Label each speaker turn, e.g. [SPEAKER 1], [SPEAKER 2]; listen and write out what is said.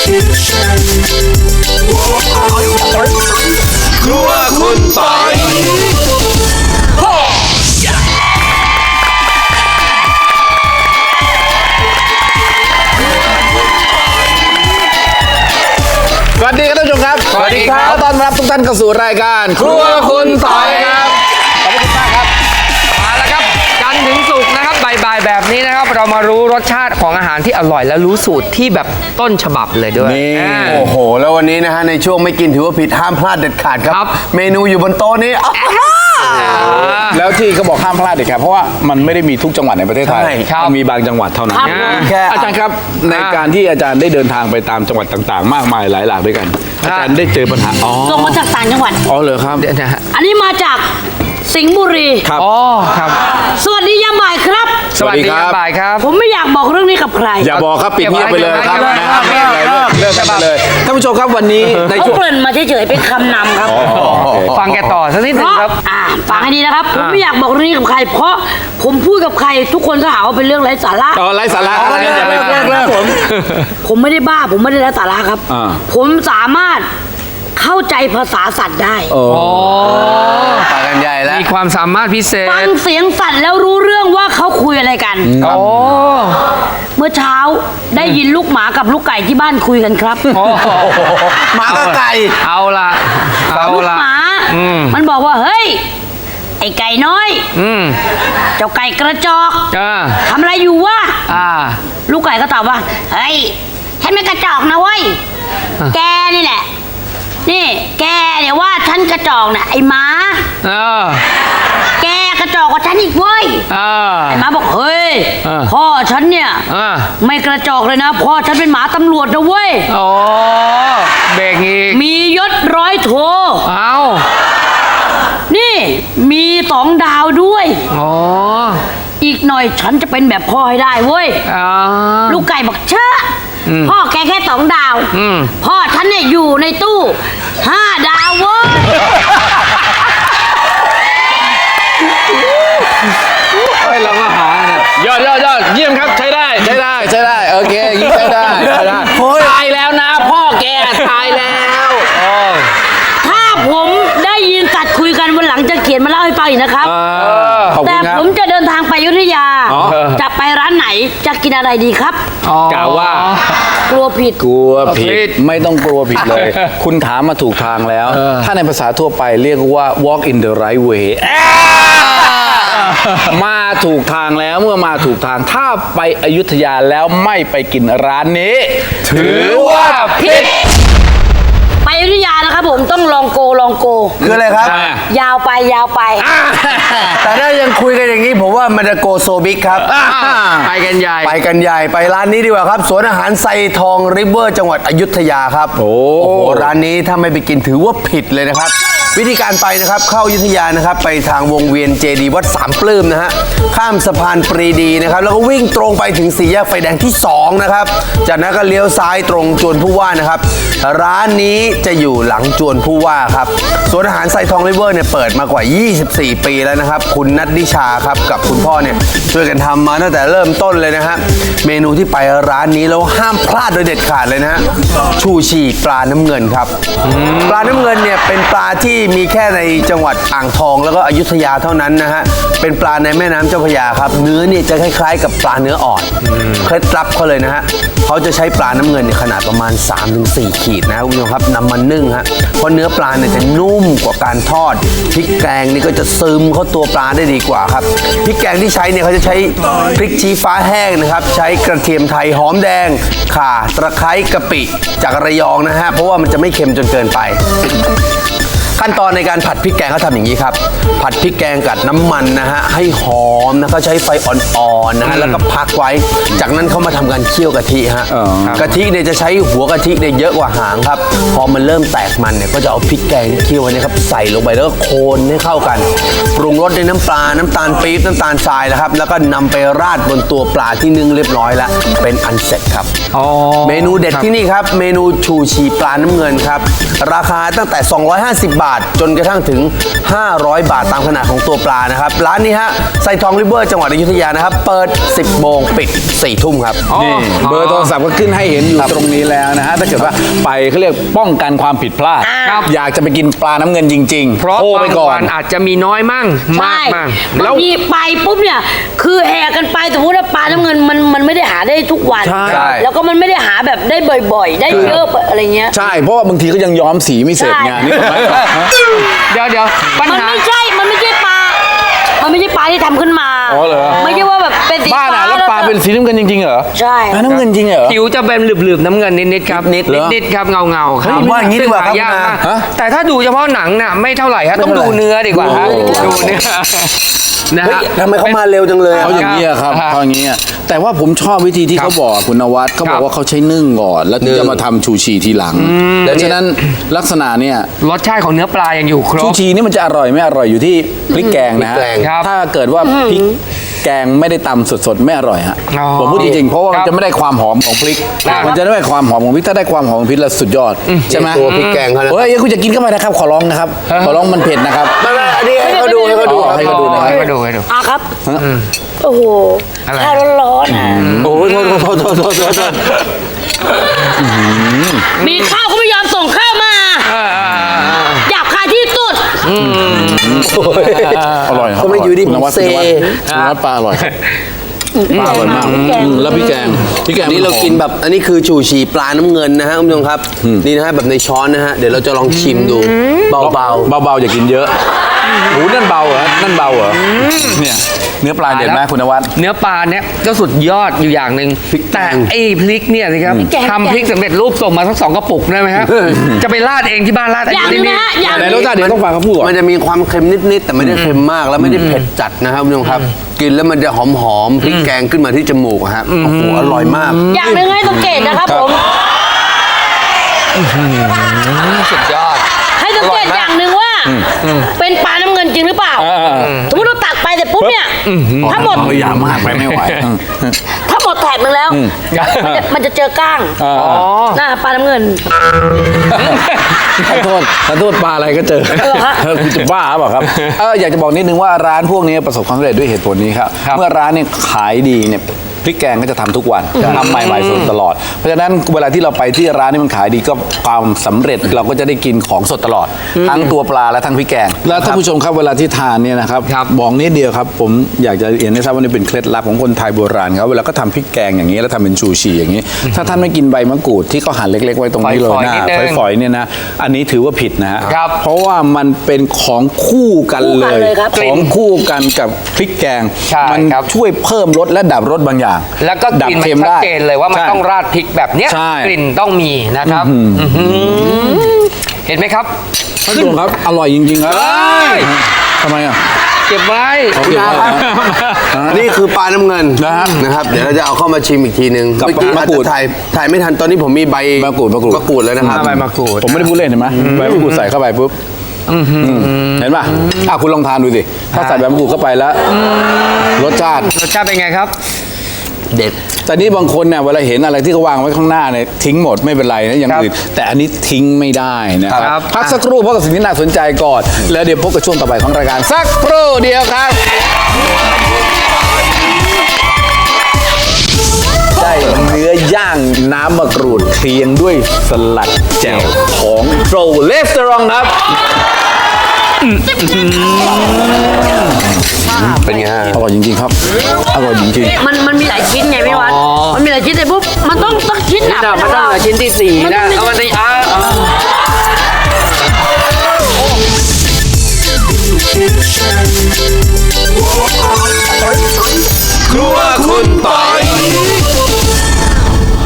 [SPEAKER 1] ครัวคุณปอย
[SPEAKER 2] สวัสดีครับท่านผู้ชมครับ
[SPEAKER 1] สวัสดีครับ
[SPEAKER 2] ต้อนรับทุกท่านเข้าสู่รายการ
[SPEAKER 1] ครัวคุณปอยครับ
[SPEAKER 2] ขอบคุณมากครับ
[SPEAKER 3] มาแล้วครับจันทร์ถึงศุกร์นะครับบ่ายๆแบบนี้นะครับเรามารู้รสชาติของอาหารที่อร่อยและรู้สูตรที่แบบต้นฉบับเลยด้วย
[SPEAKER 2] นี่
[SPEAKER 1] โอ้โหแล้ววันนี้นะฮะในช่วงไม่กินถือว่าผิดห้ามพลาดเด็ดขาดครับเมนูอยู่บนโต๊ะนี้
[SPEAKER 2] แล้วที่เขาบอกห้ามพลาดเด็ดขาดเพราะว่ามันไม่ได้มีทุกจังหวัดในประเทศไทย
[SPEAKER 1] ใช่ครับ
[SPEAKER 2] มันมีบางจังหวัดเท่านั้น
[SPEAKER 1] แค่
[SPEAKER 2] อาจารย์ครับในการที่อาจารย์ได้เดินทางไปตามจังหวัดต่างๆ มากมายหลายหลากด้วยกันอาจารย์ได้เจอปัญหา
[SPEAKER 4] ส่งมาจากต่างจังหวัด
[SPEAKER 2] อ๋อเหรอครับ
[SPEAKER 3] เดี๋ยวนะฮะ
[SPEAKER 4] อันนี้มาจากสิงห์บุรี
[SPEAKER 2] ครับ
[SPEAKER 3] อ๋อครับ
[SPEAKER 4] สวัสดียามบ่ายครับ
[SPEAKER 2] สวัสดีครับ
[SPEAKER 3] บ่ายครับ
[SPEAKER 4] ผมไม่อยากบอกเรื่องนี้กับใคร
[SPEAKER 2] อย่าบอกครับปิดเงียบไปเลยครับ
[SPEAKER 3] เก็บไว้
[SPEAKER 2] นะครับ
[SPEAKER 3] เก็บไว้
[SPEAKER 2] เลิกกันไปเลยท่านผู้ชมครับวันนี้ใน
[SPEAKER 4] เขา
[SPEAKER 2] ช่วง
[SPEAKER 4] เกริ่นมาเฉยๆเป็นคำนำครับ
[SPEAKER 3] ฟังแกต่อสักนิดห
[SPEAKER 4] เพ
[SPEAKER 3] นึง
[SPEAKER 4] ราะ
[SPEAKER 3] ครับ
[SPEAKER 4] ฟังให้ดีนะครับ ผมไม่อยากบอกเรื่องนี้กับใคร เพราะผมพูดกับใครทุกคนก็หาว่าเป็นเรื่องไร้สาระ
[SPEAKER 2] ไร้สาระอะไรอย่าไปพูด
[SPEAKER 4] ผมไม่ได้บ้า ผมไม่ได้ไร้สาระครับ
[SPEAKER 2] อ่า
[SPEAKER 4] ผมสามารถเข้าใจภาษาสัตว์ได้
[SPEAKER 3] อ๋อ
[SPEAKER 1] ไปกันใหญ่แล้ว
[SPEAKER 3] มีความสามารถพิเศ
[SPEAKER 4] ฟั
[SPEAKER 3] ษ
[SPEAKER 4] งเสียงสัตว์แล้วรู้เรื่องว่าเขาคุยอะไรกัน
[SPEAKER 3] โอ้
[SPEAKER 4] เมื่อเช้าได้ยินลูกหมากับลูกไก่ที่บ้านคุยกันครับ
[SPEAKER 3] โอ้
[SPEAKER 1] หมากับไก่
[SPEAKER 3] เอาละเอา
[SPEAKER 4] ลูก
[SPEAKER 3] ละ
[SPEAKER 4] หมา
[SPEAKER 3] อืม
[SPEAKER 4] มันบอกว่าเฮ้ยไอ้ไก่น้อย
[SPEAKER 3] อืม
[SPEAKER 4] เจ้าไก่กระจอก ทำอะไรอยู่วะ
[SPEAKER 3] อ่า
[SPEAKER 4] ลูกไก่ก็ตอบว่าเฮ้ยฉันไม่กระจอกนะเว้ยแกนี่แหละนี่แกเนี่ยว่าฉันกระจอกน่ะไอ้หมา
[SPEAKER 3] เออ
[SPEAKER 4] แกกระจอกกว่าฉันอีกเว้ย
[SPEAKER 3] เออ
[SPEAKER 4] ไอ้หมาบอกเฮ้ย
[SPEAKER 3] อ่า
[SPEAKER 4] พ่อฉันเนี่ย
[SPEAKER 3] อ่า
[SPEAKER 4] ไม่กระจอกเลยนะพ่อฉันเป็นหมาตำรวจนะเว้ย
[SPEAKER 3] โอ้เบรกอีก
[SPEAKER 4] มียศร้อยโท
[SPEAKER 3] เอา
[SPEAKER 4] นี่มี2 ดาวด้วย
[SPEAKER 3] อ๋อ
[SPEAKER 4] อีกหน่อยฉันจะเป็นแบบพ่อให้ได้เว้ย
[SPEAKER 3] อ่า
[SPEAKER 4] ลูกไก่บอกเชื่ออพ่อแกแค่2 ดาว
[SPEAKER 3] อืม
[SPEAKER 4] พ่อฉันเนี่ยอยู่ในตู้5 ดาวเว้ย
[SPEAKER 2] เฮ้ยเราก็หาเนี่ยยอดเยี่ยมครับใช้ได้ใช้ได้โอเคอย่างนี้ใช้ได้ตายแล้วนะพ่อแกตายแล้ว
[SPEAKER 4] ถ้าผมได้ยินสัตว์คุยกันวันหลังจะเขียนมาเล่าให้ฟังอีกนะครับ
[SPEAKER 2] ขอบคุ
[SPEAKER 4] แต่
[SPEAKER 2] ณครับ
[SPEAKER 4] ผมจะเดินทางไปอยุธยา
[SPEAKER 2] อ๋อ
[SPEAKER 4] จะไปร้านไหนจะกินอะไรดีครับ
[SPEAKER 2] กล่าวว่า
[SPEAKER 4] กลัวผิด
[SPEAKER 2] กลัวผิ
[SPEAKER 3] ผิ
[SPEAKER 2] ด
[SPEAKER 3] ด
[SPEAKER 2] ไม่ต้องกลัวผิดเลย คุณถามมาถูกทางแล้ว ถ้าในภาษาทั่วไปเรียกว่า walk in the right way มาถูกทางแล้วเมื่อมาถูกทางถ้าไปอยุธยาแล้วไม่ไปกินร้านนี้ ถือว่าผิด
[SPEAKER 4] ไปอยุธยานะครับผมต้องลองโก
[SPEAKER 1] คืออะไรครับ
[SPEAKER 4] ยาวไป
[SPEAKER 1] แต่ถ้ายังคุยกันอย่างนี้ผมว่ามันจะโกโซบิกครับ
[SPEAKER 3] ไปกันใหญ่
[SPEAKER 1] ไปกันใหญ่ไปร้านนี้ดีกว่าครับสวนอาหารไซทองริเวอร์จังหวัดอยุธยาครับโอ้โหร้านนี้ถ้าไม่ไปกินถือว่าผิดเลยนะครับ วิธีการไปนะครับเข้าอยุธยานะครับไปทางวงเวียนเจดีย์วัดสามปลื้มนะฮะข้ามสะพานปรีดีนะครับแล้วก็วิ่งตรงไปถึงสี่แยกไฟแดงที่2นะครับจากนั้นก็เลี้ยวซ้ายตรงจวนผู้ว่านะครับร้านนี้จะอยู่หลังจวนผู้ว่าครับสวนอาหารไซทองริเวอร์เนี่ยเปิดมากว่า 24 ปีแล้วนะครับคุณนัทนิชาครับกับคุณพ่อเนี่ยช่วยกันทำมาตั้งแต่เริ่มต้นเลยนะฮะเมนูที่ไปร้านนี้แล้วห้ามพลาดโดยเด็ดขาดเลยนะฮะชูชีปลาน้ำเงินครับปลาน้ำเงินเนี่ยเป็นปลาที่มีแค่ในจังหวัดอ่างทองแล้วก็อยุธยาเท่านั้นนะฮะเป็นปลาในแม่น้ำเจ้าพระยาครับเนื้อเนี่ยจะคล้ายๆกับปลาเนื้ออ่อนเคล็ดลับเขาเลยนะฮะเขาจะใช้ปลาน้ำเงินในขนาดประมาณ 3-4 ขีดนะคุณผู้ชมครับนำมานึ่งฮะเพราะเนื้อปลาเนี่ยจะนุ่มกว่าการทอดพริกแกงนี่ก็จะซึมเข้าตัวปลาได้ดีกว่าครับพริกแกงที่ใช้เนี่ยเขาจะใช้พริกชี้ฟ้าแห้งนะครับใช้กระเทียมไทยหอมแดงข่าตะไคร้กะปิจากระยองนะฮะเพราะว่ามันจะไม่เค็มจนเกินไป ขั้นตอนในการผัดพริกแกงเขาทำอย่างนี้ครับผัดพริกแกงกับน้ำมันนะฮะให้หอมนะเขาใช้ไฟอ่อนๆนะฮะแล้วก็พักไว้จากนั้นเขามาทำการเคี่ยวกะทิฮะกะทิเนี่ยจะใช้หัวกะทิเนี่ยเยอะกว่าหางครับพอมันเริ่มแตกมันเนี่ยก็จะเอาพริกแกงเคี่ยวไว้นะครับใส่ลงไปแล้วก็โคนให้เข้ากันปรุงรสด้วยน้ำปลาน้ำตาลปี๊บน้ำตาลทรายนะครับแล้วก็นำไปราดบนตัวปลาที่นึ่งเรียบร้อยแล้วเป็นอันเสร็จครับเมนูเด็ดที่นี่ครับเมนูชูชีปลาน้ำเงินครับราคาตั้งแต่250 บาทาทจนกระทั่งถึง 500 บาทตามขนาดของตัวปลานะครับร้านนี้ฮะไซทองริเวอร์จังหวัดอยุธยานะครับเปิด 10 โมงปิด 4 ทุ่มครับ
[SPEAKER 2] นี่เบอร์โทรศัพท์ก็ขึ้นให้เห็นอยู่ตรงนี้แล้วนะฮะถ้าเกิดว่าไปเขาเรียกป้องกันความผิดพลาด
[SPEAKER 3] ครับ
[SPEAKER 2] อยากจะไปกินปลาน้ำเงินจริงๆ
[SPEAKER 3] เพราะ
[SPEAKER 2] โทรไป
[SPEAKER 3] บาง
[SPEAKER 2] ก่อ
[SPEAKER 3] วัน นอาจจะมีน้อยมั่งมาก
[SPEAKER 4] ใช่
[SPEAKER 3] มั่ง
[SPEAKER 4] บางทีไปปุ๊บเนี่ย คือแห่กันไปสมมติว่าปลาน้ำเงินมันไม่ได้หาได้ทุกวัน
[SPEAKER 2] ใช่
[SPEAKER 4] แล้วก็มันไม่ได้หาแบบได้บ่อยๆ ได้เยอะอะไรเงี้ย
[SPEAKER 2] ใช่เพราะว่าบางทีก็ยังย้อมสีไม่เสร็จไง
[SPEAKER 4] ใช่
[SPEAKER 2] นี่ถูกไหมฮะ
[SPEAKER 3] เดี๋ยวปัญ
[SPEAKER 4] มัน
[SPEAKER 3] หา
[SPEAKER 4] ไม่ใช่ปลา มันไม่ใช่ปลาที่ทำขึ้นมา
[SPEAKER 2] อ๋อเหรอ
[SPEAKER 4] ไม่ใช่ว่าแบบเป็นสี
[SPEAKER 2] บ้าน
[SPEAKER 4] ฟ้า
[SPEAKER 2] อ่ะแล้วปลาเป็นสีน้ำเงินจริงๆเหรอ
[SPEAKER 4] ใช่
[SPEAKER 2] ปลาน้ำเงินจริงเหรอ
[SPEAKER 3] ผิวจะเป็นหลืบๆน้ำเงินนิดๆครับ
[SPEAKER 2] เหรอ
[SPEAKER 3] นิดๆครับเงาๆครับ
[SPEAKER 1] ผมว่าอย่างนี้ดีกว่าครับ
[SPEAKER 3] ซึ่งหยกมาก
[SPEAKER 2] ฮะ
[SPEAKER 3] แต่ถ้าดูเฉพาะหนังน่ะไม่เท่าไหร่ฮะต้องดูเนื้อดีกว่าฮะดูเนื้อนะ
[SPEAKER 1] เฮ้ย
[SPEAKER 3] ฮะ
[SPEAKER 1] ทำไมเขามาเร็วจังเลย
[SPEAKER 2] เขาอย่างนี้ยครับ
[SPEAKER 3] ครับ
[SPEAKER 2] เขาอย่างนี้ยแต่ว่าผมชอบวิธีที่
[SPEAKER 3] ครับ
[SPEAKER 2] เขาบอกคุณนวัดเขาบ
[SPEAKER 3] ครั
[SPEAKER 2] อก
[SPEAKER 3] บ
[SPEAKER 2] ว่าเขาใช้นึ่งก่อน แล้วถึงจะมาทำชูชีทีหลังดังนั้นลักษณะเนี่ย
[SPEAKER 3] รสชาติของเนื้อปลายังอยู่คร
[SPEAKER 2] ชู
[SPEAKER 3] บ
[SPEAKER 2] ชีนี่มันจะอร่อยไม่อร่อยอยู่ที่พริกแกงนะฮะ
[SPEAKER 1] พริกแกง
[SPEAKER 3] ครับ
[SPEAKER 2] ถ้าเกิดว่าพริกแกงไม่ได้ตำสดๆไม่อร่อยฮะ
[SPEAKER 3] อ๋อ
[SPEAKER 2] ผมพูดจริงๆเพราะว่า
[SPEAKER 3] ค
[SPEAKER 2] มั
[SPEAKER 3] รั
[SPEAKER 2] น
[SPEAKER 3] บ
[SPEAKER 2] จะไม่ได้ความหอมของพริก
[SPEAKER 3] ครับ
[SPEAKER 2] มันจะได้ความหอมของพริกถ้าได้ความหอมของพริกแล้วสุดยอดใช่ไหม
[SPEAKER 1] ตัวพริกแกงเขานะ
[SPEAKER 2] เฮ้ยคุณจะกินเข้าไปนะครับขอร้องนะครับขอร้องมันเผ็ดนะครับ
[SPEAKER 1] ไม่อันนี้ให้เขาดูให้เขาดู
[SPEAKER 2] อ๋อให้เขาดูนะครับ
[SPEAKER 3] ให้เขาดูให้ดู
[SPEAKER 4] อ่ะครับ โอ้โห
[SPEAKER 3] อะไร
[SPEAKER 4] ข้าวร้อนๆอ่ะ
[SPEAKER 1] โอ้ยโทษ
[SPEAKER 4] มีข้าวก็ไม่ยอมส่งข้าวมาหยาบคายที่สุด
[SPEAKER 2] อร่อยครับ
[SPEAKER 1] ก็ไม่อยู่ดี
[SPEAKER 2] คุณนวัด
[SPEAKER 1] เซ
[SPEAKER 2] คุณนวัดปลาอร่อยครับปลาอร่อยมาก
[SPEAKER 4] แกง
[SPEAKER 2] แล้วพี่แกง
[SPEAKER 1] นี่เรากินแบบอันนี้คือชูชีปลาน้ำเงินนะฮะคุณผู้ชมครับนี่นะฮะแบบในช้อนนะฮะเดี๋ยวเราจะลองชิมดูเบา
[SPEAKER 2] เบาๆอย่ากินเยอะหูนั่นเบาเหรอนั่นเบาเหรอเนี่ยเนื้อปลาเด็ดไหมคุณนวัด
[SPEAKER 3] เนื้อปลาเนี่ยก็สุดยอดอยู่อย่างหนึ่งแต่ไอ้พริกเนี่ยสิครับทำพริกสำเร็จรูปส่งมาสัก2 กระปุกได้ไหมครับจะไปราดเองที่บ้านราด
[SPEAKER 4] อย่างหนึงนะฮะอย่างห
[SPEAKER 2] ไหน
[SPEAKER 4] นึ
[SPEAKER 2] รง สชาติเดี๋ยวต้องฟังเขาพูดก่อน
[SPEAKER 1] มันจะมีความเค็มนิดๆแต่ไม่ได้เค็มมากแล้วไม่ได้เผ็ดจัดนะครับคุณผู้ชมครับ กินแล้วมันจะหอมๆพริกแกงขึ้นมาที่จมูกอะฮะโอ้โหอร่อยมาก
[SPEAKER 4] อย่างหนึงให้สังเกตนะครับผม
[SPEAKER 3] สุดยอด
[SPEAKER 4] ให้สังเกตอย่างหนึ่งว่า เป็นปลาน้ำเงินจริงหรือเปล่าสมมติเราตักไปเสร็จปุ๊บเนี่ยถ้าหมด
[SPEAKER 2] อย่ามากไปไม่ไหว
[SPEAKER 4] ถ้าหมดแถบหนึงแล้ว มันจะเจอก้างหน้าปลาน้ำเงิน
[SPEAKER 2] ขอโทษปลาอะไรก็เจอ
[SPEAKER 4] เหรอฮะ
[SPEAKER 2] คุณจะบ้าเปล่าครับอยากจะบอกนิดนึงว่าร้านพวกนี้ประสบความสำเร็จด้วยเหตุผลนี้ครับ เมื่อร้านเนี่ยขายดีเนี่ยพริกแกงก็จะทำทุกวันทำใหม่ๆสดตลอด เพราะฉะนั้นเวลาที่เราไปที่ร้านนี่มันขายดีก็ความสำเร็จเราก็จะได้กินของสดตลอด ทั้งตัวปลาและทั้งพริกแกง แล้วท่านผู้ชมครับเวลาที่ทานเนี่ยนะครับบอกนิดเดียวครับผมอยากจะเรียนให้ทราบว่านี่เป็นเคล็ดลับของคนไทยโบราณครับเวลาก็ทำพริกแกงอย่างนี้แล้วทำเป็นชูชีอย่างนี้ ถ้าท่านไม่กินใบมะกรูดที่เขาหั่นเล็กๆไว้ตรงนี้เลยนะฝอยๆเนี่ยนะอันนี้ถือว่าผิดนะฮะ
[SPEAKER 3] ครับ
[SPEAKER 2] เพราะว่ามันเป็นของคู่กันเลย
[SPEAKER 4] คู่กันเลยครับ
[SPEAKER 2] ของคู่กันกับพริกแกง
[SPEAKER 3] ใช่
[SPEAKER 2] มัน
[SPEAKER 3] ครับ
[SPEAKER 2] ช่วยเพิ่มรสและดับรสบางอย่าง
[SPEAKER 3] แล้วก็ก
[SPEAKER 2] ดับ
[SPEAKER 3] ลิ่นมัน
[SPEAKER 2] เค็ม
[SPEAKER 3] ชัด
[SPEAKER 2] ได้
[SPEAKER 3] เจนเลยว่ามัน
[SPEAKER 2] ใช่
[SPEAKER 3] ต้องราดพริกแบบเนี้ย
[SPEAKER 2] ใช่
[SPEAKER 3] กลิ่นต้องมีนะครับเห็นไหมครับ
[SPEAKER 2] ท่านผู้ชมครับอร่อยจริงๆครับ
[SPEAKER 3] เอ้ย
[SPEAKER 2] ทำไมอ่ะ
[SPEAKER 3] เก็บไว้
[SPEAKER 2] เอาเก็บไว้นะ
[SPEAKER 1] นี่คือปลาน้ำเงิน
[SPEAKER 2] นะฮะ
[SPEAKER 1] นะครับเดี๋ยวเราจะเอาเข้ามาชิมอีกทีนึง
[SPEAKER 2] กับ
[SPEAKER 1] เมื่อกี้
[SPEAKER 2] มะ
[SPEAKER 1] อาจ
[SPEAKER 2] กรู
[SPEAKER 1] จะ
[SPEAKER 2] ด
[SPEAKER 1] ถ่ายไม่ทันตอนนี้ผมมีใบ
[SPEAKER 2] มะกรูด
[SPEAKER 1] มะกรูดแล้วนะครับ
[SPEAKER 3] ใบมะกรูด
[SPEAKER 2] ผมไม่ได้พูดเล่นเห็นไหมใบมะกรูดใส่เข้าไปปุ๊บเห็นป่ะคุณลองทานดูสิถ้าใส่ใบมะกรูดเข้าไปแล้วรสชาติ
[SPEAKER 3] รสชาติเป็นไงครับ
[SPEAKER 1] เด็ด
[SPEAKER 2] แต่นี่บางคนเนี่ยเวลาเห็นอะไรที่เขาวางไว้ข้างหน้าเนี่ยทิ้งหมดไม่เป็นไรนะอย่าง
[SPEAKER 3] ครับ
[SPEAKER 2] อื่นแต่อันนี้ทิ้งไม่ได้นะค
[SPEAKER 3] ครั
[SPEAKER 2] รับบ พักสักครู่เพราะกับสิ่งที่น่าสนใจก่อน แล้วเดี๋ยวพบกับช่วงต่อไปของรายการสักครู่เดียวครับได้เนื้อย่างน้ำมะกรูดเคียงด้วยสลัดแจ่วของโตรเลสเตอรองครับ
[SPEAKER 1] เป็นไงฮะ
[SPEAKER 2] อร่อยจริงๆครับอร่อยจริงๆ
[SPEAKER 4] มันมีหลายชิ้นไงพี่วัดมันมีหลายชิ้นแต่ปุ๊บมันต้องชิ้นหนัก
[SPEAKER 3] มันต้องเหลือชิ้นที่4นะเอามาสิ
[SPEAKER 5] ครัว